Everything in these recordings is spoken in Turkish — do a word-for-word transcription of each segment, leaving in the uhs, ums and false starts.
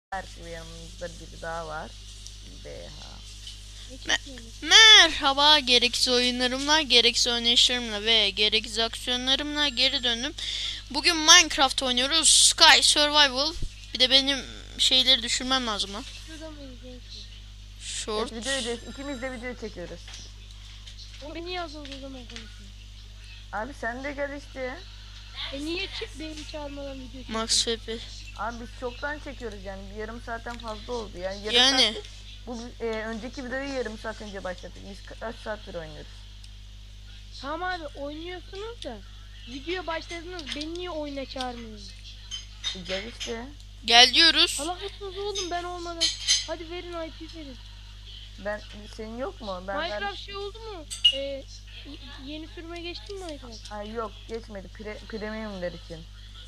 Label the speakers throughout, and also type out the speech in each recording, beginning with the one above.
Speaker 1: Belki yanımızda biri daha var. B H.
Speaker 2: Me Merhaba, gereksiz oyunlarımla, gereksiz oynayışlarımla ve gereksiz aksiyonlarımla geri döndüm. Bugün Minecraft oynuyoruz. Sky Survival. Bir de benim şeyleri düşürmem lazım lan. Short.
Speaker 1: Evet, videoyu ikimiz de video çekiyoruz.
Speaker 2: O beni yazıldı o zaman konuşuyor.
Speaker 1: Abi sen de gel işte.
Speaker 2: E niye çık beni çağırmadan video çekiyor?
Speaker 3: Max F P.
Speaker 1: Abi biz çoktan çekiyoruz yani bir yarım saatten fazla oldu yani. Yarım
Speaker 3: Yani.
Speaker 1: Saat, bu e, önceki videoyu yarım saat önce başlattık. Biz kaç saattir oynuyoruz?
Speaker 2: Tamam abi oynuyorsunuz da videoya başladınız, beni niye oyuna çağırmıyorsunuz?
Speaker 1: E, gel işte.
Speaker 3: Gel diyoruz.
Speaker 2: Allah mısınız oğlum ben olmadan. Hadi verin I P verin.
Speaker 1: Ben senin yok mu? Ben
Speaker 2: Minecraft
Speaker 1: ver...
Speaker 2: şey oldu mu? Ee, yeni sürüme geçtin mi Minecraft?
Speaker 1: Ay yok geçmedi. Pre premiumler için.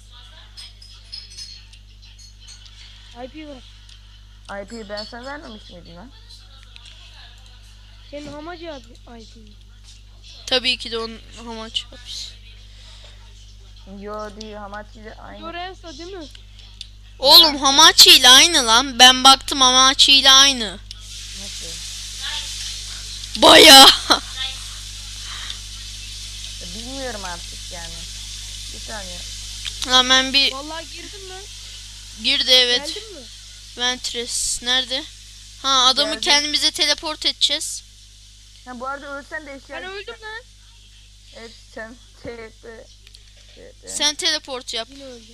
Speaker 2: I P ver.
Speaker 1: I P'yi ben sana vermemiş miydim lan?
Speaker 2: Senin hamacı abi I P'yi.
Speaker 3: Tabii ki de onun amaç hapis.
Speaker 1: Yo değil Hamachi ile aynı.
Speaker 2: Lorenzo değil mi?
Speaker 3: Oğlum Hamachi ile aynı lan. Ben baktım Hamachi ile aynı.
Speaker 1: Nasıl?
Speaker 3: Baya.
Speaker 1: Bilmiyorum artık yani. Bir saniye.
Speaker 3: Lan ben bir
Speaker 2: Vallahi girdim ben.
Speaker 3: girdi evet.
Speaker 2: Geldin mi?
Speaker 3: Ventress nerede? Ha adamı
Speaker 1: Geldim.
Speaker 3: kendimize teleport edeceğiz.
Speaker 1: Ha bu arada ölsen de eşya...
Speaker 2: Ben öldüm lan.
Speaker 1: Evet sen T P.
Speaker 3: Sen teleport yap.
Speaker 2: Yine öldüm.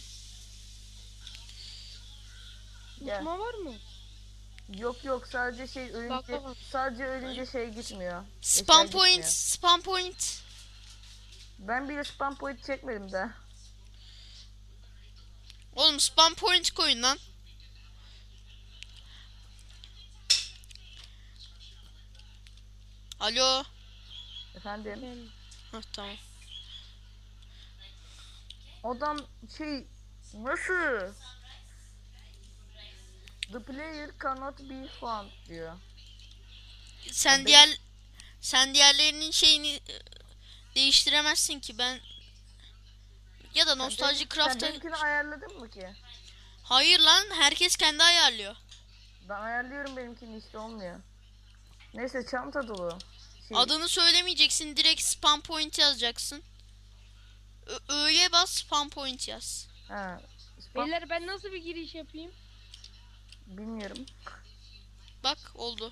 Speaker 1: Gel.
Speaker 2: Uçma var mı?
Speaker 1: Yok yok sadece şey ölünce
Speaker 2: Bak, bak.
Speaker 1: sadece ölünce şey gitmiyor.
Speaker 3: Spam
Speaker 1: Eşya
Speaker 3: point,
Speaker 1: gitmiyor.
Speaker 3: spam point.
Speaker 1: Ben bile spam point çekmedim daha.
Speaker 3: Oğlum spam point koyun lan. Alo.
Speaker 1: Efendim.
Speaker 2: Ben...
Speaker 3: Hah tamam.
Speaker 1: Adam şey nasıl? The player cannot be found diyor.
Speaker 3: Sen
Speaker 1: Ya
Speaker 3: diğer sen diğerlerinin şeyini e, değiştiremezsin ki ben ya da Nostalji
Speaker 1: Sen
Speaker 3: Craft'a
Speaker 1: benimkini ayarladın mı ki?
Speaker 3: hayır lan herkes kendi ayarlıyor.
Speaker 1: Ben ayarlıyorum benimkini işte olmuyor. Neyse çanta dolu. Şey,
Speaker 3: Adını söylemeyeceksin, direkt spam point yazacaksın. Ö- öyle bas, spam point yaz.
Speaker 1: ha, spam,
Speaker 2: Beyler ben nasıl bir giriş yapayım?
Speaker 1: bilmiyorum.
Speaker 3: Bak oldu.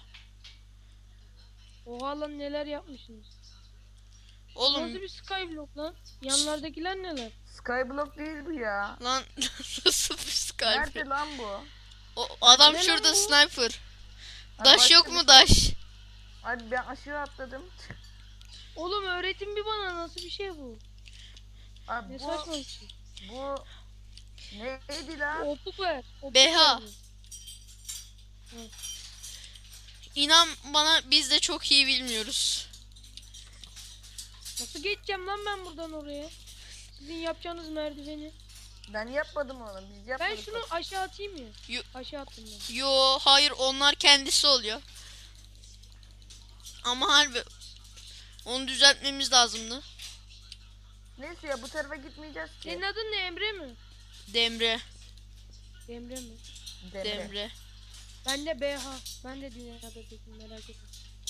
Speaker 2: Oha lan neler yapmışsınız.
Speaker 3: Oğlum
Speaker 2: Nasıl bir skyblock lan? Yanlardakiler neler?
Speaker 1: Skyblock değil bu ya.
Speaker 3: lan nasıl bir Skype?
Speaker 1: Nerede lan bu?
Speaker 3: O adam
Speaker 2: Ne lan
Speaker 3: şurada
Speaker 2: bu?
Speaker 3: sniper.
Speaker 1: Ha,
Speaker 3: Daş
Speaker 1: başka
Speaker 3: yok
Speaker 1: bir
Speaker 3: mu
Speaker 1: şey.
Speaker 3: daş?
Speaker 1: Abi ben aşağı atladım.
Speaker 2: Oğlum öğretin bir bana nasıl bir şey bu?
Speaker 1: Abi
Speaker 2: Ne
Speaker 1: bu,
Speaker 2: saçma bir şey.
Speaker 1: bu neydi lan?
Speaker 2: Opuk ver. Opuk
Speaker 3: B H.
Speaker 2: ver bir.
Speaker 3: İnan bana biz de çok iyi bilmiyoruz.
Speaker 2: Nasıl geçeceğim lan ben buradan oraya? Sizin yapacağınız merdiveni.
Speaker 1: Ben yapmadım onu. Biz
Speaker 2: Ben
Speaker 1: yapmadık.
Speaker 2: şunu aşağı atayım mı?
Speaker 3: Yo-
Speaker 2: Aşağı attım ben.
Speaker 3: Yo hayır onlar kendisi oluyor. Ama harbi onu düzeltmemiz lazımdı.
Speaker 1: Neyse ya bu tarafa gitmeyeceğiz ki.
Speaker 2: Senin adın ne, Emre mi?
Speaker 3: Demre,
Speaker 2: Emre mi?
Speaker 1: Demre.
Speaker 3: Demre.
Speaker 2: Ben de B H. Ben de dünyada tekim, merak etme.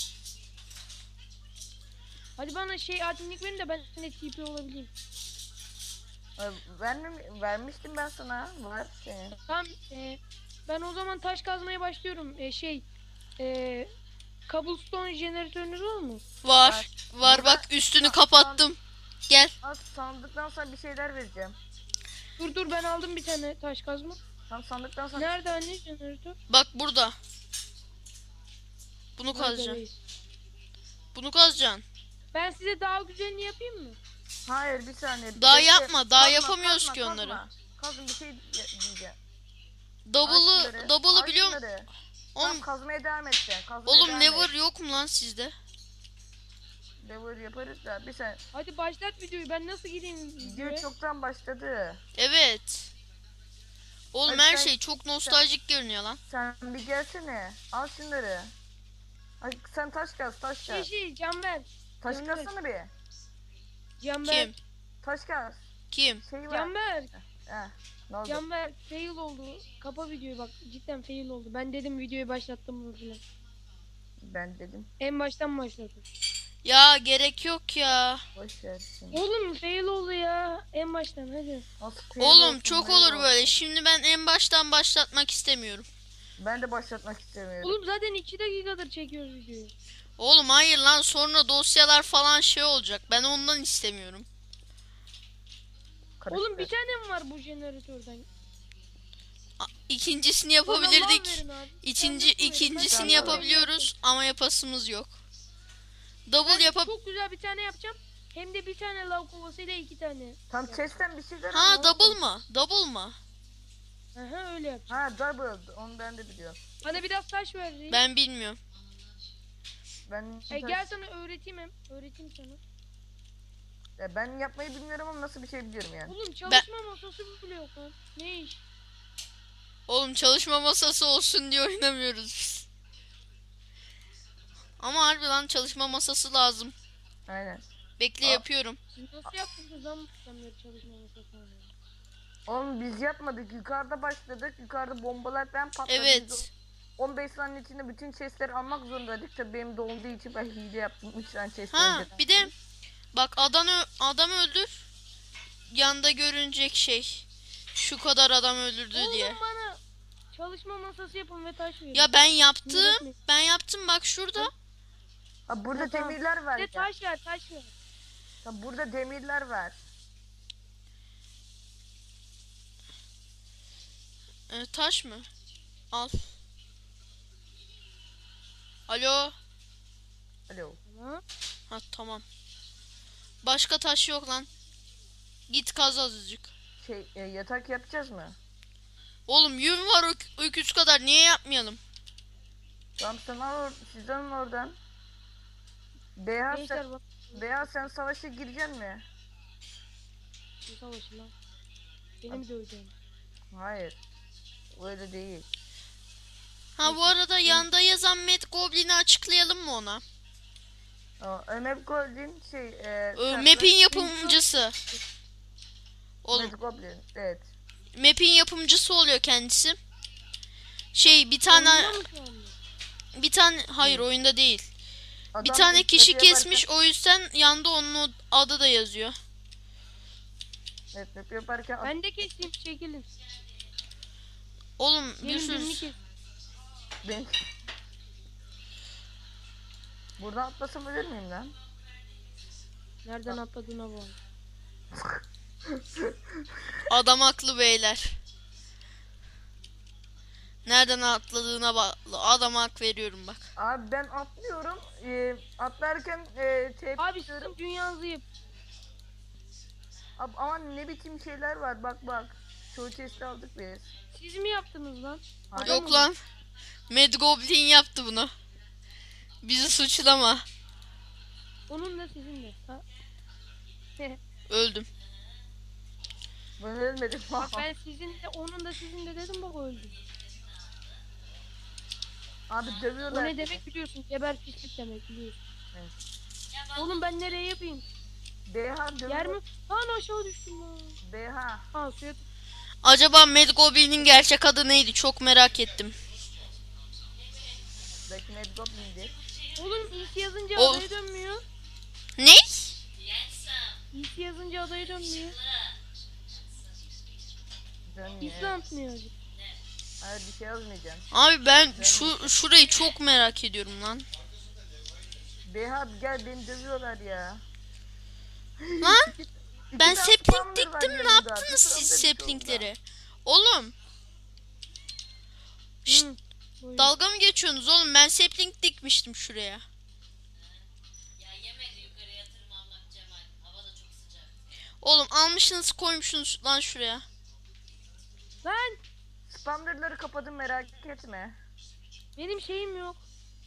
Speaker 2: Hadi bana şey adminlik verin de ben de T P olabileyim.
Speaker 1: Abi, Vermem, vermiştim ben sana. Var senin.
Speaker 2: Tamam. E, ben o zaman taş kazmaya başlıyorum. E, şey. E, cobblestone jeneratörünüz var mı?
Speaker 3: Var.
Speaker 1: Var.
Speaker 3: Var
Speaker 1: Burada-
Speaker 3: bak üstünü
Speaker 1: Sa-
Speaker 3: kapattım. Gel.
Speaker 1: Az sandıktan sonra bir şeyler vereceğim.
Speaker 2: Dur dur ben aldım bir tane taş kazma.
Speaker 1: Tam sandıktan sonra
Speaker 2: Nerede anne jeneratör?
Speaker 3: Bak burada. Bunu
Speaker 2: Nerede
Speaker 3: kazacaksın.
Speaker 2: reis?
Speaker 3: Bunu kazacaksın.
Speaker 2: Ben size daha güzelini yapayım mı?
Speaker 1: hayır bir saniye.
Speaker 3: Daha
Speaker 1: Bekle.
Speaker 3: yapma, daha
Speaker 1: Kazma,
Speaker 3: yapamıyoruz
Speaker 1: kazma,
Speaker 3: ki
Speaker 1: kazma.
Speaker 3: onları.
Speaker 1: Kazın bir şey diye- diyeceğim. Aç
Speaker 3: Double'ı,
Speaker 1: şunları,
Speaker 3: double'ı
Speaker 1: aç
Speaker 3: biliyorum.
Speaker 1: şunları. Tamam
Speaker 3: Oğlum,
Speaker 1: kazmaya devam edeceksin. Kazmaya
Speaker 3: oğlum
Speaker 1: devam
Speaker 3: never
Speaker 1: et.
Speaker 3: yok mu lan sizde?
Speaker 1: Lever yaparız da bir saniye.
Speaker 2: Hadi başlat videoyu. Ben nasıl gireyim
Speaker 1: Video
Speaker 2: videoya?
Speaker 1: çoktan başladı.
Speaker 3: Evet. Oğlum
Speaker 1: Hadi
Speaker 3: her
Speaker 1: sen-
Speaker 3: şey çok nostaljik görünüyor lan.
Speaker 1: Sen bir gelsene. Al şunları. Hadi sen taş kaz, taş
Speaker 2: Şey
Speaker 1: kaz.
Speaker 2: şey Canber.
Speaker 1: Taş
Speaker 2: Canber.
Speaker 1: kazsana bir.
Speaker 2: Canber.
Speaker 3: Kim?
Speaker 1: Taş kaz.
Speaker 3: Kim?
Speaker 1: Şey var.
Speaker 2: Canber.
Speaker 1: Heh. Ne oldu?
Speaker 4: Canber fail oldu. Kapa videoyu bak. Cidden fail oldu. Ben dedim videoyu başlattım mı filan.
Speaker 1: Ben dedim.
Speaker 4: En baştan başladım.
Speaker 2: Ya gerek yok ya.
Speaker 1: Boş ver şimdi.
Speaker 4: Oğlum fail oldu ya. En baştan hadi.
Speaker 1: Nasıl fail
Speaker 2: Oğlum
Speaker 1: olsun,
Speaker 2: çok
Speaker 1: fail
Speaker 2: olur
Speaker 1: olsun.
Speaker 2: böyle. Şimdi ben en baştan başlatmak istemiyorum.
Speaker 1: Ben de başlatmak istemiyorum.
Speaker 4: Oğlum zaten iki dakikadır çekiyoruz videoyu.
Speaker 2: Oğlum hayır lan, sonra dosyalar falan şey olacak. Ben ondan istemiyorum.
Speaker 1: Karıştı.
Speaker 4: Oğlum bir tane mi var bu jeneratörden?
Speaker 2: A- İkincisini
Speaker 4: Bana lav
Speaker 2: yapabilirdik.
Speaker 4: verin abi.
Speaker 2: İkinci
Speaker 4: Ben nasıl vereyim?
Speaker 2: ikincisini
Speaker 4: Ben
Speaker 2: yapabiliyoruz ama yapasımız yok. Double
Speaker 4: Ben
Speaker 2: yapab
Speaker 4: çok güzel bir tane yapacağım. Hem de bir tane lav kovasıyla iki tane.
Speaker 1: Tam chest'ten bir şeyler
Speaker 2: Ha,
Speaker 1: ama
Speaker 2: double mı? Double mı?
Speaker 4: Aha öyle yapacağım.
Speaker 1: Ha double. Onu ben de biliyorum.
Speaker 4: Bana biraz taş ver. reis.
Speaker 2: Ben bilmiyorum.
Speaker 1: Ben
Speaker 4: E, gel sana öğreteyim hem. Öğreteyim sana.
Speaker 1: Ya ben yapmayı bilmiyorum ama nasıl bir şey biliyorum yani.
Speaker 4: Oğlum çalışma masası bile yok lan. Ne iş?
Speaker 2: Oğlum çalışma masası olsun diye oynamıyoruz biz. Ama harbi lan, çalışma masası lazım.
Speaker 1: Aynen.
Speaker 2: Bekle
Speaker 1: Aa.
Speaker 2: yapıyorum.
Speaker 4: Siz nasıl yaptınız lan bu beri çalışma masası oynuyor?
Speaker 1: Oğlum biz yapmadık. Yukarıda başladık. Yukarıda bombalar ben patladı. Biz
Speaker 2: Evet.
Speaker 1: o on beş saniye içinde bütün chestleri almak zorundaydık. Tabii benim dolduğu için ben hile yaptım. üç tane chest
Speaker 2: Ha
Speaker 1: önceden.
Speaker 2: bir de bak, adam ö- adam öldür. Yanda görünecek şey. Şu kadar adam öldürdü diye.
Speaker 4: Oğlum bana çalışma masası yapın ve taş verin.
Speaker 2: Ya ben yaptım.
Speaker 4: Öğretmeyin.
Speaker 2: Ben yaptım bak şurada.
Speaker 1: Ha burada
Speaker 4: Ha, tamam.
Speaker 1: demirler var.
Speaker 4: Bir
Speaker 1: Ya.
Speaker 4: de taş ver taş ver.
Speaker 1: Ha, burada demirler var.
Speaker 2: Ee, taş mı? Al. Alo.
Speaker 1: Alo.
Speaker 4: Tamam.
Speaker 2: Ha tamam. Başka taş yok lan. Git kaz azıcık.
Speaker 1: Şey e, yatak yapacağız mı?
Speaker 2: Oğlum yün var ök- öküz kadar, niye yapmayalım?
Speaker 1: Tamam sen al or siz alın oradan. Beyaz
Speaker 4: Gençler
Speaker 1: sen,
Speaker 4: bak.
Speaker 1: Beyaz sen savaşa gireceksin mi?
Speaker 4: Bu savaşı lan. Benim döveceğim.
Speaker 1: Hayır. Öyle değil.
Speaker 2: Ha bu arada yanda yazan Mad Goblin'i açıklayalım mı ona?
Speaker 1: O, Ömer Goldin şey e,
Speaker 2: Ee,
Speaker 1: sen-
Speaker 2: map'in yapımcısı. Oğlum
Speaker 1: Mad Goblin. Evet.
Speaker 2: map'in yapımcısı oluyor kendisi. Şey bir tane
Speaker 4: Oyunda mı şu anda?
Speaker 2: bir tane hayır oyunda değil. Bir
Speaker 1: Adam
Speaker 2: tane
Speaker 1: ilk
Speaker 2: kişi
Speaker 1: map'i yaparken-
Speaker 2: kesmiş, o yüzden yanda onun o- adı da yazıyor.
Speaker 1: Evet map yaparken
Speaker 4: Ben de keseyim çekilin.
Speaker 2: Oğlum
Speaker 4: Benim birini
Speaker 2: Yusuf
Speaker 4: kes.
Speaker 1: ben... Buradan atlasam ölür müyüm lan?
Speaker 4: Nereden atladığına bağlı.
Speaker 2: adam haklı beyler. Nereden atladığına bağlı. Adama hak veriyorum bak.
Speaker 1: Abi ben atlıyorum. E, atlarken e, tep
Speaker 4: Abi
Speaker 1: diyorum.
Speaker 4: sizin dünyanızı yap.
Speaker 1: Abi, aman ne biçim şeyler var bak bak. Çoğu chest'i aldık biz.
Speaker 4: Siz mi yaptınız lan?
Speaker 1: Hayır.
Speaker 2: Yok lan. Mad Goblin yaptı bunu. Bizi suçlama.
Speaker 4: Onun da sizin de. Ha?
Speaker 2: Öldüm.
Speaker 1: Ben ölmedim.
Speaker 4: Bak ben sizin de onun da sizin de dedim bak öldü.
Speaker 1: Abi
Speaker 4: O
Speaker 1: dövüyorlar.
Speaker 4: ne demek biliyorsun? Geber pislik demek biliyorsun.
Speaker 1: Evet.
Speaker 4: Oğlum ben nereye yapayım?
Speaker 1: B H dövüyor.
Speaker 4: Yer mi? Lan aşağı düştüm lan.
Speaker 1: B H.
Speaker 4: Ha suya
Speaker 2: Acaba Mad Goblin'in gerçek adı neydi? Çok merak ettim.
Speaker 1: Belki Mad Goblin'di.
Speaker 4: Oğlum iyisi yazınca
Speaker 2: O-
Speaker 4: adaya dönmüyor.
Speaker 2: Ne?
Speaker 4: İyisi yazınca adaya dönmüyor.
Speaker 1: Dönmüyor.
Speaker 4: İslam atmıyor acı.
Speaker 1: Hayır bir şey yazmayacağım.
Speaker 2: Abi ben şu şurayı çok merak ediyorum lan.
Speaker 1: B H gel beni dövüyorlar ya.
Speaker 2: Lan
Speaker 1: İki
Speaker 2: ben
Speaker 1: tane
Speaker 2: sapling
Speaker 1: spawner var
Speaker 2: diktim, ne
Speaker 1: yanımda.
Speaker 2: yaptınız
Speaker 1: Bir
Speaker 2: siz
Speaker 1: sürü bir şey oldu.
Speaker 2: saplingleri? Oğlum Şşt,
Speaker 4: Hı, buyurun.
Speaker 2: dalga mı geçiyorsunuz oğlum? Ben sapling dikmiştim şuraya.
Speaker 5: Ya yemedi yukarıya tırmanmak Cemal. Hava da çok sıcak.
Speaker 2: Oğlum almışsınız koymuşsunuz lan şuraya.
Speaker 4: Lan
Speaker 1: Spawnerları kapadım merak etme.
Speaker 4: benim şeyim yok.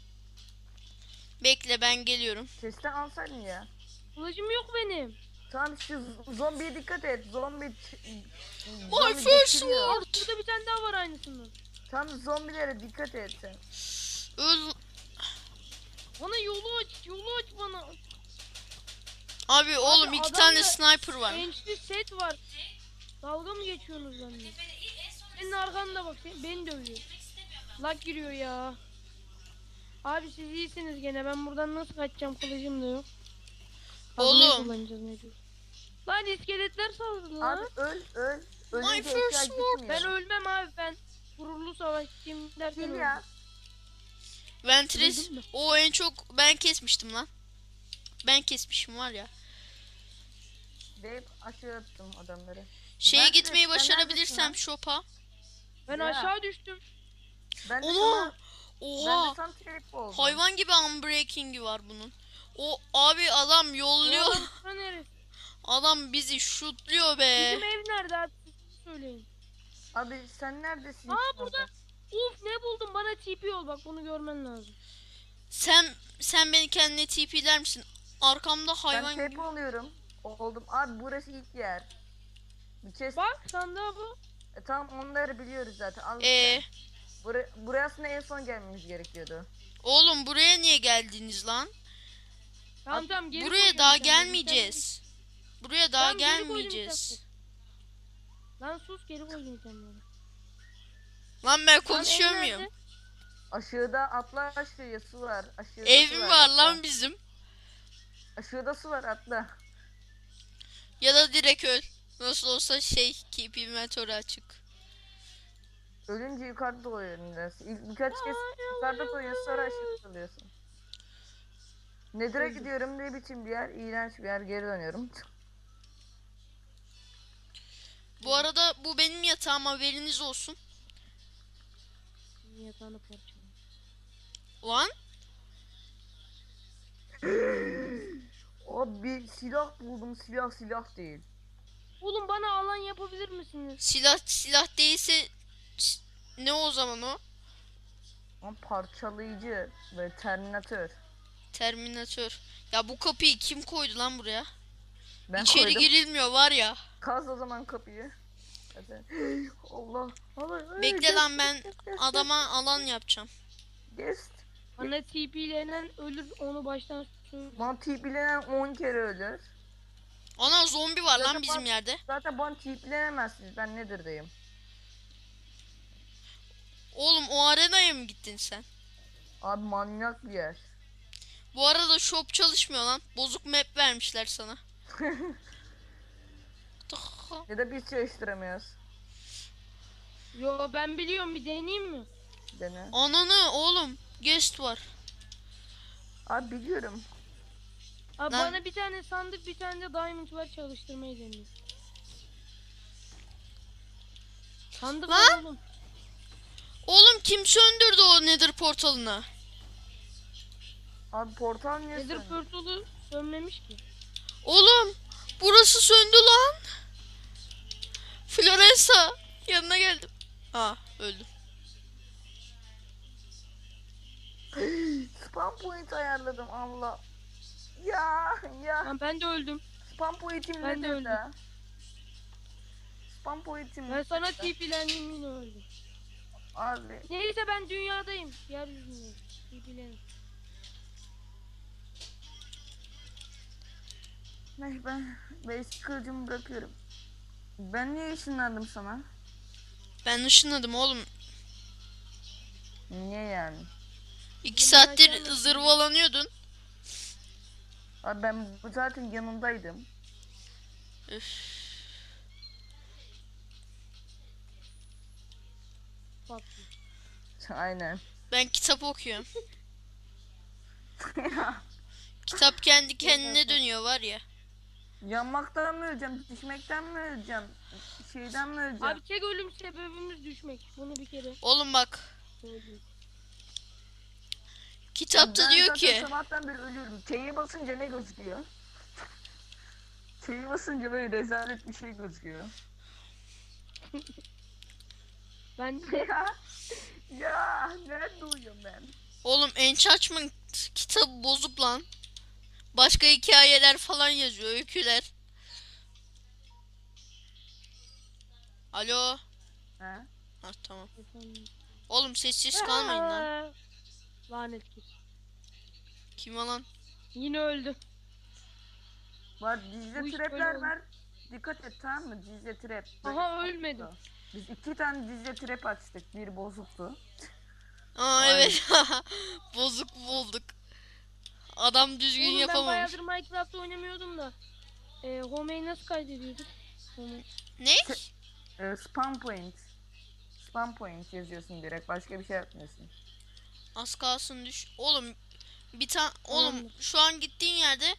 Speaker 2: Bekle ben geliyorum.
Speaker 1: Chest'ten alsaydın ya.
Speaker 4: Kılıcım yok benim.
Speaker 1: Tamam şu z- zombiye dikkat et. Zombi... ç-
Speaker 2: My
Speaker 1: zombi
Speaker 2: first
Speaker 1: geçiriyor.
Speaker 4: Bak
Speaker 2: sword.
Speaker 4: burada bir tane daha var aynısından.
Speaker 1: Tam zombilere dikkat et sen.
Speaker 2: Öl.
Speaker 4: Bana yolu aç, yolu aç bana.
Speaker 2: Abi oğlum iki
Speaker 4: adamda
Speaker 2: tane sniper var.
Speaker 4: Gençli set var. Dalga mı geçiyorsunuz benimle?
Speaker 5: Tepede ilk en son
Speaker 4: Senin arkanda bak, sen- beni dövüyor.
Speaker 5: gitmek istemiyorum ben.
Speaker 4: Lag giriyor ya. Abi siz iyisiniz gene. Ben buradan nasıl kaçacağım? Kılıcım da yok. Kazmayı
Speaker 2: Oğlum.
Speaker 4: kullanacağız mecbur. Lan iskeletler saldırdı lan.
Speaker 1: Abi öl öl.
Speaker 2: My
Speaker 1: Ölünce
Speaker 2: first
Speaker 1: eşya
Speaker 2: sword.
Speaker 1: gitmiyor.
Speaker 4: Ben ölmem abi, ben gururlu savaşçıyım derken
Speaker 1: Gel
Speaker 4: öldüm.
Speaker 1: ya.
Speaker 2: Ventres.
Speaker 4: Öldün mü?
Speaker 2: O en çok ben kesmiştim lan. Ben kesmişim var ya.
Speaker 1: Deyip aşağı attım adamları.
Speaker 2: Şeye
Speaker 1: Ventres,
Speaker 2: gitmeyi
Speaker 1: sen neredesin
Speaker 2: başarabilirsem
Speaker 1: lan?
Speaker 2: shop'a.
Speaker 4: Ben
Speaker 1: Ya.
Speaker 4: aşağı düştüm.
Speaker 1: Ben de
Speaker 2: Ona.
Speaker 1: sana, ben
Speaker 2: Oha.
Speaker 1: de sana trap oldum.
Speaker 2: Hayvan gibi unbreaking'i var bunun. O abi adam yolluyor.
Speaker 4: Oğlum sen neresi?
Speaker 2: Adam bizi şutluyor be.
Speaker 4: Bizim ev nerede abi? Siz söyleyin.
Speaker 1: Abi sen neredesin?
Speaker 4: Aa burada. Uf ne buldum, bana T P ol, bak bunu görmen lazım.
Speaker 2: Sen sen beni kendine T P'ler misin? Arkamda
Speaker 1: Ben
Speaker 2: hayvan
Speaker 1: trap
Speaker 2: gibi.
Speaker 1: oluyorum. Oldum. Abi burası ilk yer. Bir kez.
Speaker 4: Bak sandığa bu.
Speaker 1: E, tamam onları biliyoruz zaten. Al
Speaker 2: Ee,
Speaker 1: işte. Buraya, buraya aslında en son gelmemiz gerekiyordu.
Speaker 2: oğlum buraya niye geldiniz lan?
Speaker 4: Tamam
Speaker 1: Abi,
Speaker 4: tamam geri
Speaker 2: Buraya
Speaker 4: koyuyorum
Speaker 2: daha
Speaker 4: sen de.
Speaker 2: gelmeyeceğiz. Buraya daha
Speaker 4: Tamam, geri koydum
Speaker 2: gelmeyeceğiz.
Speaker 4: sen. Lan sus, geri koydum sen bana.
Speaker 2: Lan ben
Speaker 4: Lan
Speaker 2: konuşuyor
Speaker 4: ev
Speaker 2: muyum?
Speaker 4: nerede?
Speaker 1: Aşağıda atla aşağıya su var. Aşağıda
Speaker 2: Ev
Speaker 1: su
Speaker 2: mi
Speaker 1: var,
Speaker 2: var
Speaker 1: atla.
Speaker 2: lan bizim?
Speaker 1: Aşağıda su var atla.
Speaker 2: Ya da direkt öl. Nasıl olsa şey keep inventory açık.
Speaker 1: Ölünce yukarıda doyuyorsun biraz. İlk birkaç kez yukarıda doyuyorsun sonra aşağıda kalıyorsun. Nedir'e gidiyorum, ne biçim bir yer, iğrenç bir yer, geri dönüyorum.
Speaker 2: Bu arada bu benim yatağım, haberiniz olsun.
Speaker 4: Yatağını parçaladım.
Speaker 2: Lan
Speaker 1: Abi bir silah buldum, silah silah değil.
Speaker 4: Oğlum bana alan yapabilir misiniz?
Speaker 2: silah silah değilse s- ne o zaman o?
Speaker 1: Ama parçalayıcı ve terminatör.
Speaker 2: Terminatör. Ya bu kapıyı kim koydu lan buraya?
Speaker 1: Ben
Speaker 2: İçeri
Speaker 1: koydum.
Speaker 2: girilmiyor var ya.
Speaker 1: Kaz o zaman kapıyı. Hadi. Allah. Allah.
Speaker 2: Bekle lan, ben adama alan yapacağım.
Speaker 1: Guest.
Speaker 4: Bana T P'lenen ölür, onu baştan söyle.
Speaker 1: Bana tiplenen on kere ölür.
Speaker 2: Ana zombi var lan
Speaker 1: Zaten
Speaker 2: bizim
Speaker 1: bak-
Speaker 2: yerde.
Speaker 1: Zaten bana tiplenemezsiniz. Ben Nether'dayım.
Speaker 2: Oğlum o arenaya mı gittin sen?
Speaker 1: Abi manyak bir yer.
Speaker 2: Bu arada shop çalışmıyor lan. Bozuk map vermişler sana.
Speaker 1: Ya da biz çalıştıramıyoruz.
Speaker 4: Yo ben biliyorum, bir deneyeyim mi?
Speaker 1: Dene.
Speaker 2: Ananı oğlum guest var.
Speaker 1: Abi biliyorum.
Speaker 4: Abi
Speaker 2: Lan-
Speaker 4: bana bir tane sandık, bir tane de diamond var, çalıştırmayı deneyeyim. Sandık
Speaker 2: Lan!
Speaker 4: var oğlum.
Speaker 2: Oğlum kim söndürdü o nether portalını?
Speaker 1: Abi portal niye
Speaker 4: Nether
Speaker 1: söndü?
Speaker 4: portalı sönmemiş ki.
Speaker 2: Oğlum burası söndü lan. Florensa yanına geldim. Aa öldüm.
Speaker 1: Spam point ayarladım Allah. Ya ya.
Speaker 4: Lan ben de öldüm.
Speaker 1: Spam point'im
Speaker 4: Ben de
Speaker 1: nedir
Speaker 4: öldüm.
Speaker 1: da? Spam point'im
Speaker 4: Ben sana
Speaker 1: nedir da?
Speaker 4: T P'lendim, yine öldüm.
Speaker 1: Abi.
Speaker 4: Neyse ben dünyadayım. Yeryüzündeyim. T P'lenim.
Speaker 1: Ne ben basic kılıcımı bırakıyorum. Ben niye ışınlandım sana?
Speaker 2: Ben ışınladım oğlum.
Speaker 1: Niye yani?
Speaker 2: İki
Speaker 4: Ben
Speaker 2: saattir
Speaker 4: aşağıda-
Speaker 2: zırvalanıyordun.
Speaker 1: Abi ben bu zaten yanındaydım.
Speaker 2: Üf.
Speaker 4: Bak.
Speaker 1: Aynen.
Speaker 2: Ben kitap okuyorum. Kitap kendi kendine dönüyor var ya.
Speaker 1: Yanmaktan mı öleceğim? Düşmekten mi öleceğim? Şeyden mi öleceğim?
Speaker 4: Abi tek ölüm sebebimiz düşmek. Bunu bir kere
Speaker 2: Oğlum bak
Speaker 4: söyleyeyim.
Speaker 2: kitapta
Speaker 1: Ben
Speaker 2: diyor
Speaker 1: zaten
Speaker 2: ki
Speaker 1: sabahtan beri ölüyorum. Çeyi basınca ne gözüküyor? Çeyi basınca böyle rezalet bir şey gözüküyor.
Speaker 4: Ben de
Speaker 1: ya, ya nerede uyuyorum ben?
Speaker 2: oğlum Enchantment kitabı bozuk lan. Başka hikayeler falan yazıyor, öyküler. Alo.
Speaker 1: Ha?
Speaker 2: Ha tamam. Oğlum sessiz kalmayın lan.
Speaker 4: Lanet kız.
Speaker 2: Kim lan?
Speaker 4: Yine öldüm.
Speaker 1: Var dizide
Speaker 4: Bu iş
Speaker 1: trapler
Speaker 4: böyle oldu.
Speaker 1: var. dikkat et tamam mı? Dizce trap.
Speaker 4: Aha ölmedim.
Speaker 1: Biz iki tane dizce trap açtık. Bir bozuktu.
Speaker 2: Aa
Speaker 1: Aynen.
Speaker 2: evet. Bozuk bulduk. Adam düzgün
Speaker 4: Oğlum ben
Speaker 2: yapamamış.
Speaker 4: bayağıdır Minecraft oynamıyordum da. E, Home'yi nasıl kaydediyorduk? Home.
Speaker 2: Ne?
Speaker 1: Ee, spam point. Spam point yazıyorsun direkt. Başka bir şey yapmıyorsun.
Speaker 2: Az kalsın düş. Oğlum bir tane oğlum
Speaker 4: Tamamdır.
Speaker 2: şu an gittiğin yerde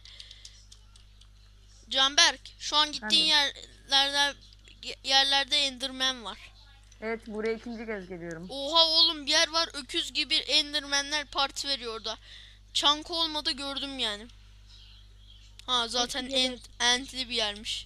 Speaker 2: Canberk şu an gittiğin yerlerde yerlerde Enderman var.
Speaker 1: Evet buraya ikinci kez geliyorum.
Speaker 2: Oha oğlum bir yer var öküz gibi Enderman'ler parti veriyor orada. Çank olmadı gördüm yani. Ha zaten
Speaker 4: Hepsi
Speaker 2: ent, entli bir yermiş.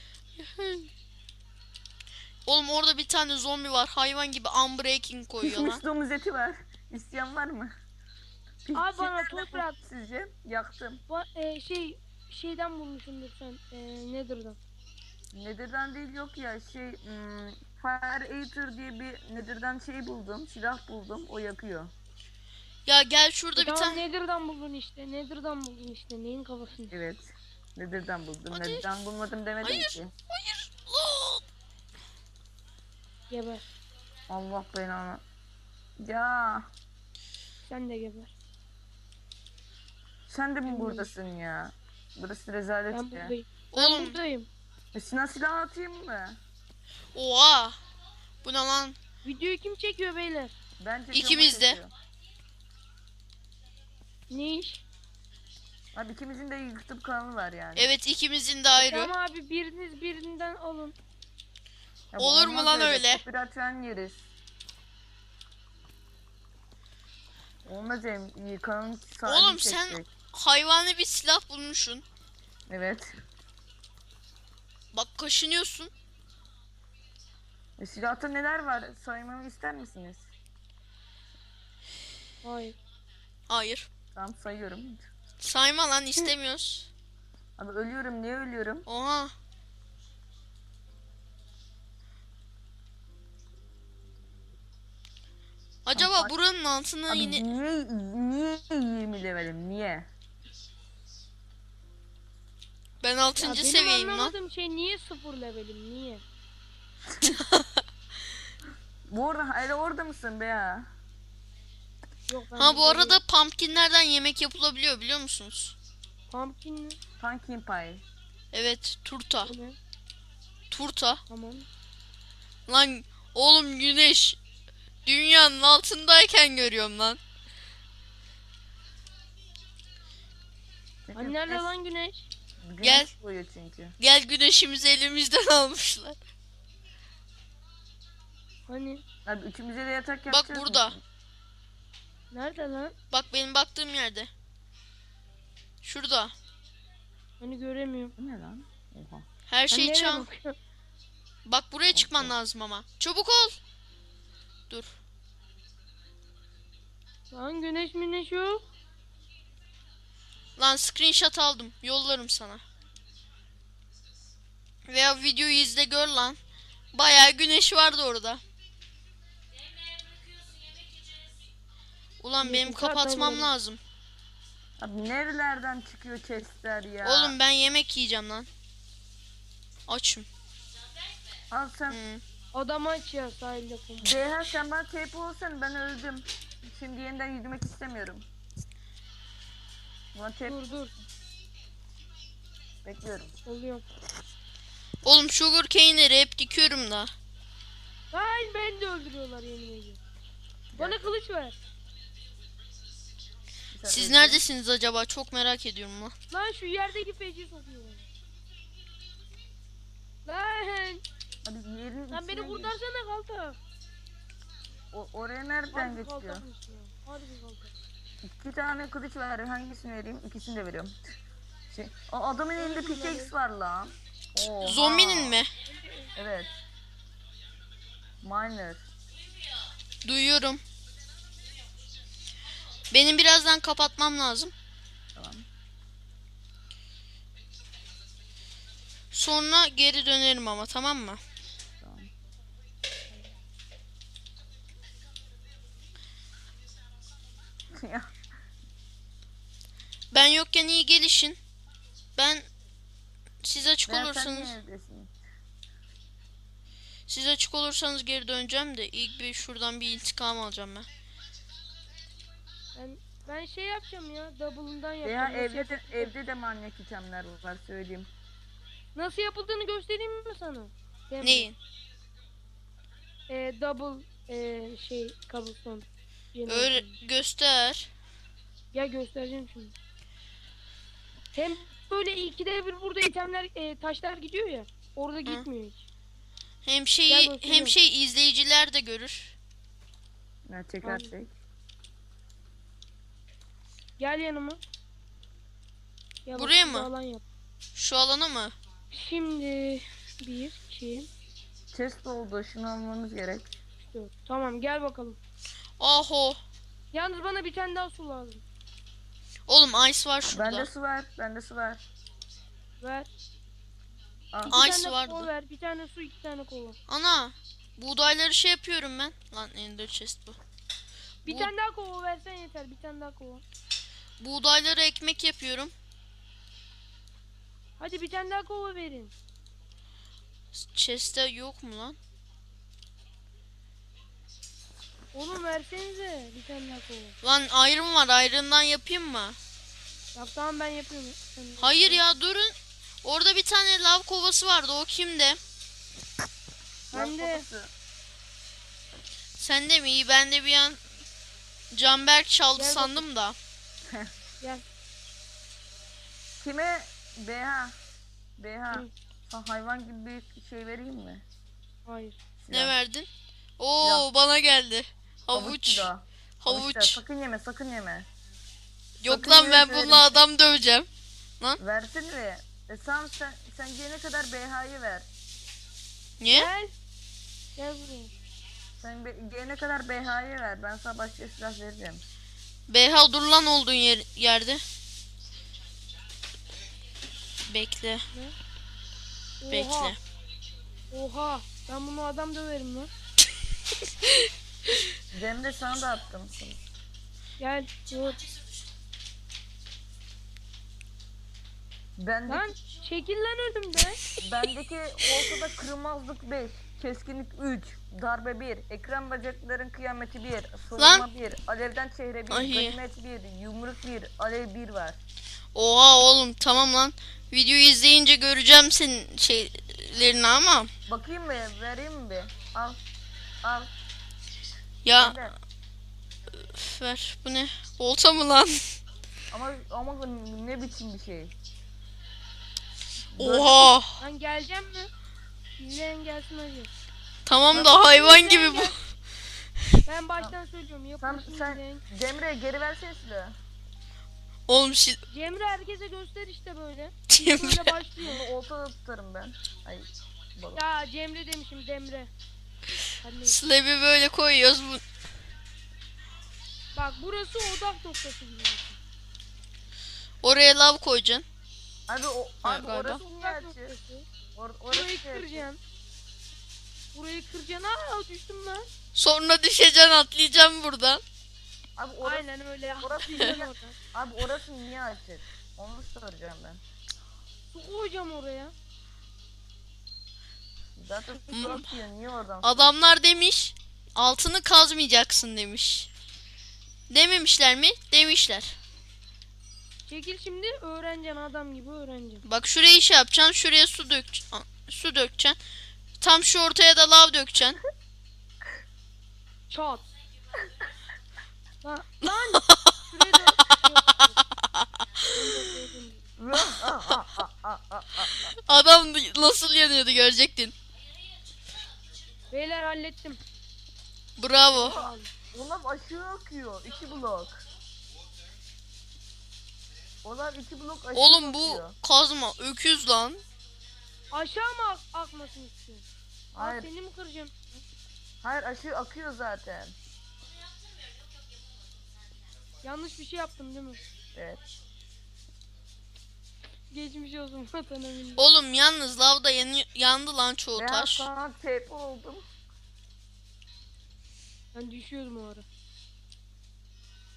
Speaker 2: Oğlum orada bir tane zombi var hayvan gibi unbreaking koyuyor
Speaker 1: Pişmiş
Speaker 2: lan.
Speaker 1: domuz eti var. İsteyen var mı?
Speaker 4: Abi bana
Speaker 1: Pişmiş
Speaker 4: toprak.
Speaker 1: sizce? Yaktım.
Speaker 4: Bu, e, şey şeyden bulmuşumdur sen. E, Nether'dan.
Speaker 1: Nether'dan değil yok ya şey hmm, Fire Eater diye bir Nether'dan şey buldum. Silah buldum. O yakıyor.
Speaker 2: Ya gel şurada
Speaker 4: E,
Speaker 2: bir
Speaker 4: tamam
Speaker 2: tane.
Speaker 4: Nether'dan buldun işte. Nether'dan buldun işte. Neyin kafasını?
Speaker 1: Evet. Nether'dan buldum.
Speaker 2: Hadi.
Speaker 1: Nether'dan bulmadım demedim
Speaker 2: Hayır.
Speaker 1: ki.
Speaker 2: Hayır. Aa!
Speaker 4: Geber.
Speaker 1: Allah belanı. Ya
Speaker 4: Sen de geber.
Speaker 1: sen de mi
Speaker 4: Ben
Speaker 1: buradasın ya? Burası rezalet
Speaker 4: Ben
Speaker 1: ya.
Speaker 4: buradayım. Ben
Speaker 2: Oğlum.
Speaker 4: buradayım.
Speaker 1: E, Sinan silah atayım mı?
Speaker 2: Oha. Bu ne lan?
Speaker 4: Videoyu kim çekiyor beyler?
Speaker 1: Bence
Speaker 2: İkimiz de.
Speaker 4: Ne iş?
Speaker 1: Abi ikimizin de YouTube kanalı var yani.
Speaker 2: Evet ikimizin de ayrı.
Speaker 4: Tamam abi biriniz birinden alın.
Speaker 1: Ya bu
Speaker 2: Olur mu
Speaker 1: olmaz
Speaker 2: lan öyle?
Speaker 1: Copyright falan yeriz. Olmaz em kanalın sahibi
Speaker 2: Oğlum sen-
Speaker 1: çekecek.
Speaker 2: Hayvani bir silah bulmuşsun.
Speaker 1: Evet.
Speaker 2: Bak kaşınıyorsun.
Speaker 1: E, silahta neler var? Saymamı ister misiniz?
Speaker 4: Hayır.
Speaker 2: Hayır.
Speaker 1: Tamam sayıyorum.
Speaker 2: Sayma lan istemiyoruz.
Speaker 1: Abi ölüyorum. Niye ölüyorum?
Speaker 2: Oha. Acaba
Speaker 1: Bak-
Speaker 2: buranın altına
Speaker 1: Abi
Speaker 2: yine
Speaker 1: niye niye yirmi levelim? Niye?
Speaker 2: ben
Speaker 4: Ya
Speaker 2: altıncı
Speaker 4: benim
Speaker 2: seviyeyim lan.
Speaker 4: anlamadığım şey niye sıfır levelim niye?
Speaker 1: Bu arada hala orada mısın be ya?
Speaker 4: Yok ben
Speaker 2: Ha bu
Speaker 4: burada
Speaker 2: arada
Speaker 4: değilim.
Speaker 2: pumpkinlerden yemek yapılabiliyor biliyor musunuz?
Speaker 4: Pumpkin mi?
Speaker 1: Pumpkin pie.
Speaker 2: Evet turta.
Speaker 4: Bu ne?
Speaker 2: Turta.
Speaker 4: Tamam.
Speaker 2: Lan oğlum güneş dünyanın altındayken görüyorum lan.
Speaker 1: Çünkü
Speaker 4: Hani nerede
Speaker 1: güneş-
Speaker 4: lan güneş?
Speaker 1: güneş
Speaker 2: Gel.
Speaker 1: doğuyor çünkü.
Speaker 2: Gel güneşimizi elimizden almışlar.
Speaker 4: Hani
Speaker 1: Abi üçümüze de yatak
Speaker 2: Bak
Speaker 1: yapacağız
Speaker 2: burada.
Speaker 1: mı?
Speaker 4: nerede lan?
Speaker 2: Bak benim baktığım yerde. Şurada.
Speaker 4: Hani göremiyorum.
Speaker 1: Bu ne lan? Oha.
Speaker 2: Her
Speaker 4: Hani
Speaker 2: şey
Speaker 4: nereye
Speaker 2: çam.
Speaker 4: bakıyorsun?
Speaker 2: Bak buraya çıkman lazım ama. Çabuk ol. Dur.
Speaker 4: Lan güneş müneş yok.
Speaker 2: Lan screenshot aldım. Yollarım sana. Veya videoyu izle gör lan. Bayağı güneş vardı orada.
Speaker 5: Yemeğe bırakıyorsun yemek yiyeceğiz.
Speaker 2: Ulan
Speaker 4: İyi,
Speaker 2: benim
Speaker 4: bu kadar
Speaker 2: kapatmam
Speaker 4: böyle.
Speaker 2: lazım.
Speaker 1: Abi nerelerden çıkıyor chestler ya?
Speaker 2: Oğlum ben yemek yiyeceğim lan. Açım.
Speaker 1: Al sen.
Speaker 2: Hı.
Speaker 4: Adam aç ya sahilde kum.
Speaker 1: Ceyhan sen bana tape olsan ben öldüm. Şimdi yeniden yüzmek istemiyorum. Bana tape
Speaker 4: Dur dur.
Speaker 1: bekliyorum.
Speaker 4: Oluyor.
Speaker 2: Oğlum sugar cane'leri hep dikiyorum da.
Speaker 4: Hayır beni de öldürüyorlar yemin ediyorum. Bana kılıç ver.
Speaker 1: Sen
Speaker 2: Siz
Speaker 1: öldün.
Speaker 2: neredesiniz acaba? Çok merak ediyorum lan.
Speaker 4: Lan şu yerdeki feci sokuyor beni. Lan.
Speaker 1: Abi yerin
Speaker 4: Lan beni
Speaker 1: içine gir.
Speaker 4: kurtarsana kalta.
Speaker 1: O, oraya nereden
Speaker 4: Harbi
Speaker 1: geçiyor?
Speaker 4: kaltakmış ya. Harbi kalta.
Speaker 1: İki tane kılıç var. Hangisini vereyim? İkisini de veriyorum. Şey, o adamın elinde pickaxe var lan. Oha.
Speaker 2: Zombinin mi?
Speaker 1: Evet. Miner.
Speaker 2: Duyuyorum. Benim birazdan kapatmam lazım.
Speaker 1: Tamam.
Speaker 2: Sonra geri dönerim ama tamam mı?
Speaker 1: Tamam. Ya,
Speaker 2: Ben yokken iyi gelişin. Ben siz açık
Speaker 1: Veya sen
Speaker 2: olursanız
Speaker 1: niye evdesin?
Speaker 2: siz açık olursanız geri döneceğim de ilk bir şuradan bir intikam alacağım ben.
Speaker 4: Ben ben şey yapacağım ya. Double'ından yapacağım.
Speaker 1: Veya
Speaker 4: Nasıl,
Speaker 1: evde de,
Speaker 4: yapıldığını-
Speaker 1: evde de manyak itemler var söyleyeyim.
Speaker 4: nasıl yapıldığını göstereyim mi sana? Demre.
Speaker 2: Neyin?
Speaker 4: Ee, double ee, şey cobblestone.
Speaker 2: Öyle göster.
Speaker 4: Gel göstereceğim şimdi. Hem böyle ikide bir burada itemler ee, taşlar gidiyor ya. Orada gitmiyor hiç.
Speaker 2: Hem
Speaker 4: Gel
Speaker 2: şeyi
Speaker 4: göstereyim.
Speaker 2: hem şey izleyiciler de görür.
Speaker 1: Ne çekersek.
Speaker 4: Gel yanıma. Gel bak,
Speaker 2: Buraya
Speaker 4: şurada
Speaker 2: mı?
Speaker 4: alan yap.
Speaker 2: Şu alana mı?
Speaker 4: Şimdi bir, iki,
Speaker 1: Chest oldu. Şunu almamız gerek.
Speaker 4: üç, dört. Tamam gel bakalım.
Speaker 2: Aho.
Speaker 4: Yalnız bana bir tane daha su lazım.
Speaker 2: Oğlum ice var şurada.
Speaker 1: Bende su var. Bende su var.
Speaker 4: Ver.
Speaker 1: Al.
Speaker 4: İki
Speaker 2: Ay,
Speaker 4: tane
Speaker 2: su vardı.
Speaker 4: kova ver. Bir tane su, iki tane kova.
Speaker 2: Ana. Buğdayları şey yapıyorum ben. Lan ender chest bu.
Speaker 4: Bir
Speaker 2: Bu-
Speaker 4: tane daha kova versen yeter. Bir tane daha kova.
Speaker 2: Buğdayları ekmek yapıyorum.
Speaker 4: Hadi bir tane daha kova verin.
Speaker 2: Chest'te yok mu lan?
Speaker 4: Oğlum versenize bir tane daha kova.
Speaker 2: Lan iron var. Iron'dan yapayım mı?
Speaker 4: Bak tamam ben yapıyorum. Sen de-
Speaker 2: Hayır ya durun. Orada bir tane lav kovası vardı. O kimde?
Speaker 4: Ben de.
Speaker 1: Babası.
Speaker 2: Sende mi? İyi, ben de bir an Canberk çaldı
Speaker 4: Gel
Speaker 2: sandım da.
Speaker 4: Gel.
Speaker 1: Kime? B H. B H.
Speaker 4: Hı.
Speaker 1: Sana hayvan gibi bir şey vereyim mi?
Speaker 4: Hayır.
Speaker 2: Ne
Speaker 1: Silah.
Speaker 2: verdin? Oo bana geldi.
Speaker 1: Havuç
Speaker 2: Havuç.
Speaker 1: silahı. Havuç da,
Speaker 2: Havuç.
Speaker 1: sakın yeme, sakın yeme.
Speaker 2: Yok
Speaker 1: sakın
Speaker 2: lan ben
Speaker 1: yeme derim.
Speaker 2: bununla adam döveceğim.
Speaker 1: Versin mi? E tamam sen, sen gelene kadar B H'yı ver.
Speaker 2: Niye?
Speaker 4: Gel. Gel buraya.
Speaker 1: Sen be, gelene kadar B H'yı ver. Ben sana başka silah vereceğim.
Speaker 2: B H dur lan olduğun yer, yerde. Bekle.
Speaker 4: Oha.
Speaker 2: Bekle.
Speaker 4: Oha. Ben bunu adam döverim lan.
Speaker 1: Cemre sana da attım.
Speaker 4: Gel. Vur.
Speaker 1: Bendeki,
Speaker 4: Lan çekil lan önümden.
Speaker 1: bendeki ortada kırılmazlık beş, keskinlik üç, darbe bir, ekran bacakların kıyameti bir, savunma bir, alevden çehre bir,
Speaker 2: Ay.
Speaker 1: ganimet bir, yumruk bir, alev bir var.
Speaker 2: Oha oğlum tamam lan. Videoyu izleyince göreceğim senin şeylerini ama.
Speaker 1: Bakayım mı? Vereyim mi bir? Al. Al.
Speaker 2: Ya
Speaker 1: Cemre.
Speaker 2: üf, ver bu ne? Olta mı lan?
Speaker 1: Ama ama ne biçim bir şey?
Speaker 2: Oha.
Speaker 4: Lan geleceğim mi? İzleyen gelsin hadi.
Speaker 2: Tamam da hayvan gibi bu.
Speaker 4: Ben baştan söylüyorum.
Speaker 1: Sen,
Speaker 4: Yapılsın
Speaker 1: sen
Speaker 4: izleyen.
Speaker 1: Cemre geri versene silahı.
Speaker 2: Oğlum şi...
Speaker 4: Cemre herkese göster işte böyle.
Speaker 2: Cemre.
Speaker 4: Böyle başlıyor.
Speaker 1: Bunu oltada tutarım ben. Ay balık.
Speaker 4: Ya Cemre demişim Demre. Hadi.
Speaker 2: Slab'i böyle koyuyoruz. Bu...
Speaker 4: Bak burası odak noktası gibi.
Speaker 2: Oraya lav koyacaksın.
Speaker 1: Abi o
Speaker 2: Ha,
Speaker 1: abi
Speaker 2: galiba.
Speaker 1: orası niye
Speaker 4: Odak
Speaker 1: açık?
Speaker 4: noktası.
Speaker 1: Or, orası
Speaker 4: Burayı
Speaker 1: niye açık?
Speaker 4: kıracaksın. Burayı kıracaksın. Aa düştüm lan.
Speaker 2: Sonra düşeceksin atlayacaksın buradan.
Speaker 1: Abi orası,
Speaker 4: Aynen öyle.
Speaker 1: orası
Speaker 4: Atlayacaksın
Speaker 1: niye,
Speaker 4: oradan.
Speaker 1: abi orası niye açık? Onu soracağım ben.
Speaker 4: Su koyacağım oraya.
Speaker 1: Zaten
Speaker 2: Hmm.
Speaker 1: su akıyor. Niye oradan?
Speaker 2: Adamlar demiş altını kazmayacaksın demiş. Dememişler mi? Demişler.
Speaker 4: Çekil şimdi öğreneceksin adam gibi öğreneceksin.
Speaker 2: Bak şuraya şey yapacaksın. Şuraya su dök su dökeceksin. Tam şu ortaya da lav dökeceksin.
Speaker 4: Çat. Lan lan. Şuraya da.
Speaker 1: Ah, ah, ah, ah, ah, ah.
Speaker 2: Adam nasıl yanıyordu görecektin.
Speaker 4: Beyler hallettim.
Speaker 2: Bravo.
Speaker 1: O lav aşağı akıyor. İki blok. O lav iki blok aşağı
Speaker 2: Oğlum bu
Speaker 1: akıyor.
Speaker 2: kazma öküz lan.
Speaker 4: Aşağı mı ak akmasını istiyorsun? Aa,
Speaker 1: Hayır.
Speaker 4: seni mi kıracağım?
Speaker 1: Hayır aşağı akıyor zaten.
Speaker 4: Yanlış bir şey yaptım değil mi?
Speaker 1: Evet.
Speaker 4: Geçmiş olsun vatana millet.
Speaker 2: Oğlum yalnız lavda yanı yandı lan çoğu
Speaker 1: Ben
Speaker 2: taş.
Speaker 1: sana tep oldum.
Speaker 4: Ben düşüyordum o ara.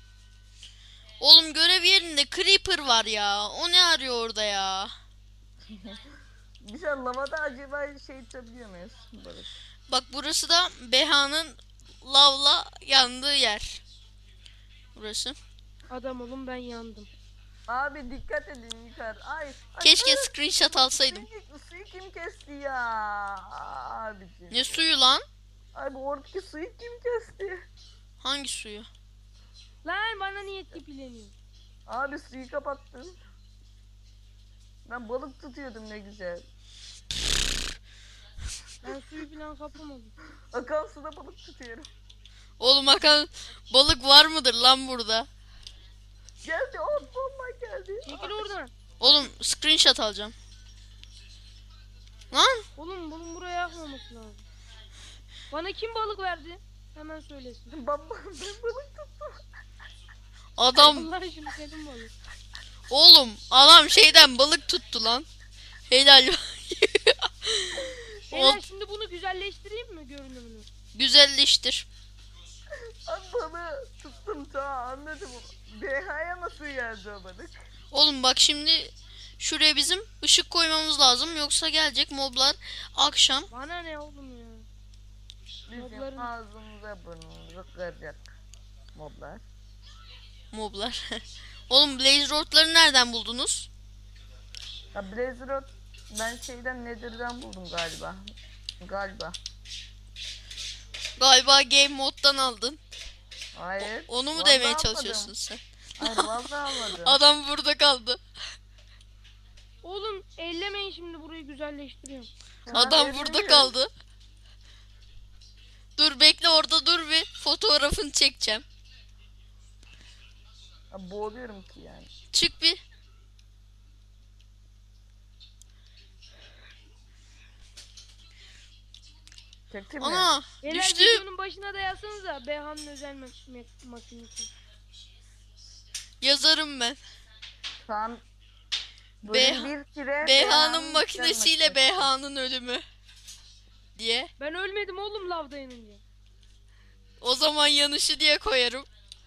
Speaker 2: Oğlum görev yerinde creeper var ya. O ne arıyor orada ya?
Speaker 1: Bir şey lavada acaba şey tutabiliyor muyuz? Balık.
Speaker 2: Bak burası da Beha'nın lavla yandığı yer. Burası.
Speaker 4: Adam olun ben yandım.
Speaker 1: Abi dikkat edin yukarı. Ay. ay
Speaker 2: Keşke
Speaker 1: ay,
Speaker 2: screenshot alsaydım.
Speaker 1: Suyu, suyu kim kesti ya? Abiciğim.
Speaker 2: Ne suyu lan?
Speaker 1: Abi oradaki suyu kim kesti?
Speaker 2: Hangi suyu?
Speaker 4: Lan bana niye tipileniyor?
Speaker 1: Abi suyu kapattın. Ben balık tutuyordum ne güzel.
Speaker 4: Ben suyu falan kapamadım.
Speaker 1: Akan suda balık tutuyorum.
Speaker 2: Oğlum bakalım balık var mıdır lan burada?
Speaker 1: Geldi ot bomba geldi.
Speaker 4: Çekil oradan.
Speaker 2: Oğlum screenshot alacağım. Lan
Speaker 4: Oğlum bunun buraya yakmaması lazım. Bana kim balık verdi? Hemen söylesin.
Speaker 1: Baba ben balık tuttum.
Speaker 2: adam
Speaker 4: Allah aşkına senin balık.
Speaker 2: oğlum adam şeyden balık tuttu lan. Helal.
Speaker 4: Beyler
Speaker 2: Ol-
Speaker 4: şimdi bunu güzelleştireyim mi görünümünü?
Speaker 2: Güzelleştir.
Speaker 1: Abi balığı tuttum ta anladım. B H'ya nasıl geldi o balık?
Speaker 2: Oğlum bak şimdi şuraya bizim ışık koymamız lazım yoksa gelecek moblar akşam.
Speaker 4: Bana ne oğlum ya?
Speaker 1: Bizim
Speaker 4: Mobların-
Speaker 1: ağzımıza burnumuza kıracak moblar.
Speaker 2: Moblar. Oğlum blaze rodları nereden buldunuz?
Speaker 1: Ya Blaze Road ben şeyden Nether'dan buldum galiba. Galiba.
Speaker 2: Galiba game moddan aldın.
Speaker 1: Hayır.
Speaker 2: Onu mu
Speaker 1: vallahi
Speaker 2: demeye
Speaker 1: almadım.
Speaker 2: çalışıyorsun sen?
Speaker 1: Hayır vallahi almadım.
Speaker 2: Adam burada kaldı.
Speaker 4: Oğlum ellemeyin şimdi burayı güzelleştiriyorum.
Speaker 1: Ya
Speaker 2: Adam
Speaker 1: ben
Speaker 2: burada
Speaker 1: bilmiyorum.
Speaker 2: kaldı. Dur bekle orada dur bir fotoğrafını çekeceğim.
Speaker 1: Ya boğuluyorum ki yani.
Speaker 2: Çık bir.
Speaker 1: Çektin mi?
Speaker 2: Ana
Speaker 4: Beyler
Speaker 2: düştü.
Speaker 4: videonun başına da yazsanıza Beha'nın özel ma- ma- makinesi.
Speaker 2: Yazarım ben.
Speaker 1: Şu an
Speaker 2: Beha-
Speaker 1: bölüm bir kire
Speaker 2: Beha'nın makinesiyle Beha'nın ölümü. Diye.
Speaker 4: Ben ölmedim oğlum lavda yanınca.
Speaker 2: O zaman yanışı diye koyarım.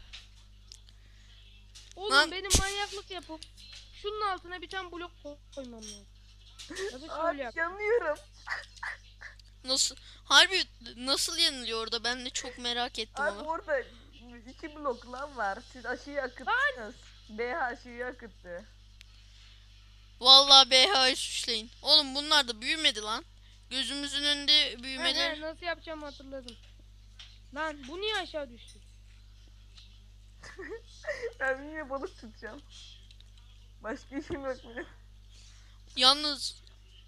Speaker 4: Oğlum
Speaker 2: Lan.
Speaker 4: benim manyaklık yapıp şunun altına bir tane blok ko- koymam lazım. Ya da şöyle
Speaker 1: Abi
Speaker 4: yap.
Speaker 1: yanıyorum.
Speaker 2: Nasıl? Harbi nasıl yanılıyor orada? Ben de çok merak ettim
Speaker 1: Abi
Speaker 2: ama.
Speaker 1: orada iki blok lan var. Siz aşıyı akıttınız. B H aşıyı akıttı.
Speaker 2: Vallahi B H'yı suçlayın. Oğlum bunlar da büyümedi lan. Gözümüzün önünde
Speaker 4: He, he,
Speaker 2: büyümeleri.
Speaker 4: nasıl yapacağımı hatırladım. Lan bu niye aşağı düştü?
Speaker 1: Ben niye balık tutacağım? Başka işim yok benim.
Speaker 2: Yalnız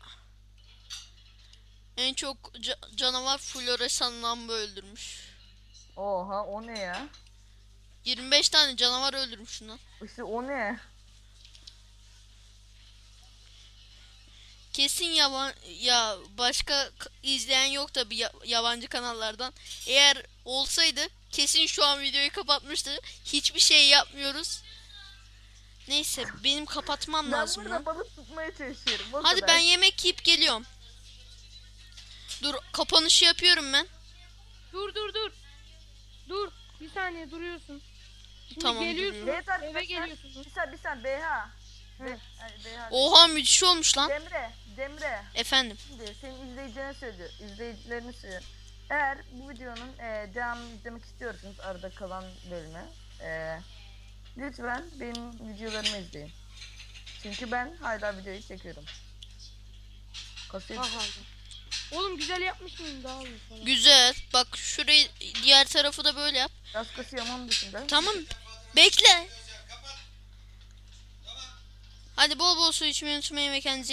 Speaker 2: en çok ca- canavar floresan lamba öldürmüş.
Speaker 1: Oha o ne ya?
Speaker 2: yirmi beş tane canavar öldürmüş lan.
Speaker 1: İşte o ne?
Speaker 2: Kesin yaban ya başka k- izleyen yok tabi yabancı kanallardan. Eğer olsaydı kesin şu an videoyu kapatmıştı. Hiçbir şey yapmıyoruz. Neyse benim kapatmam
Speaker 1: Ben
Speaker 2: lazım
Speaker 1: burada
Speaker 2: lan.
Speaker 1: balık tutmaya çalışıyorum. o
Speaker 2: Hadi
Speaker 1: kadar.
Speaker 2: ben yemek yiyip geliyorum. Dur kapanışı yapıyorum ben.
Speaker 4: Dur dur dur. Dur. Bir saniye duruyorsun. Şimdi
Speaker 2: Tamam,
Speaker 4: geliyorsun.
Speaker 2: duruyorum.
Speaker 1: Evet arkadaşlar.
Speaker 4: Eve geliyorsun.
Speaker 1: Bir saniye bir saniye B H.
Speaker 4: He.
Speaker 1: Be- ay, B H.
Speaker 2: Oha müthiş olmuş lan.
Speaker 1: Demre, Demre.
Speaker 2: Efendim.
Speaker 1: Şimdi senin izleyicilerine söylüyor, izleyicilerini söylüyor. Eğer bu videonun e, devamını izlemek istiyorsanız arada kalan bölümü, e, lütfen benim videolarımı izleyin. Çünkü ben hala videoyu çekiyorum. Kasıyor.
Speaker 4: Aha. Oğlum güzel yapmış mıyım daha iyi falan.
Speaker 2: Güzel. Bak şurayı diğer tarafı da böyle yap.
Speaker 1: Biraz kasıyor ama onun dışında.
Speaker 2: Tamam. Bekle. Hadi bol bol su içmeyi unutmayın ve kendinize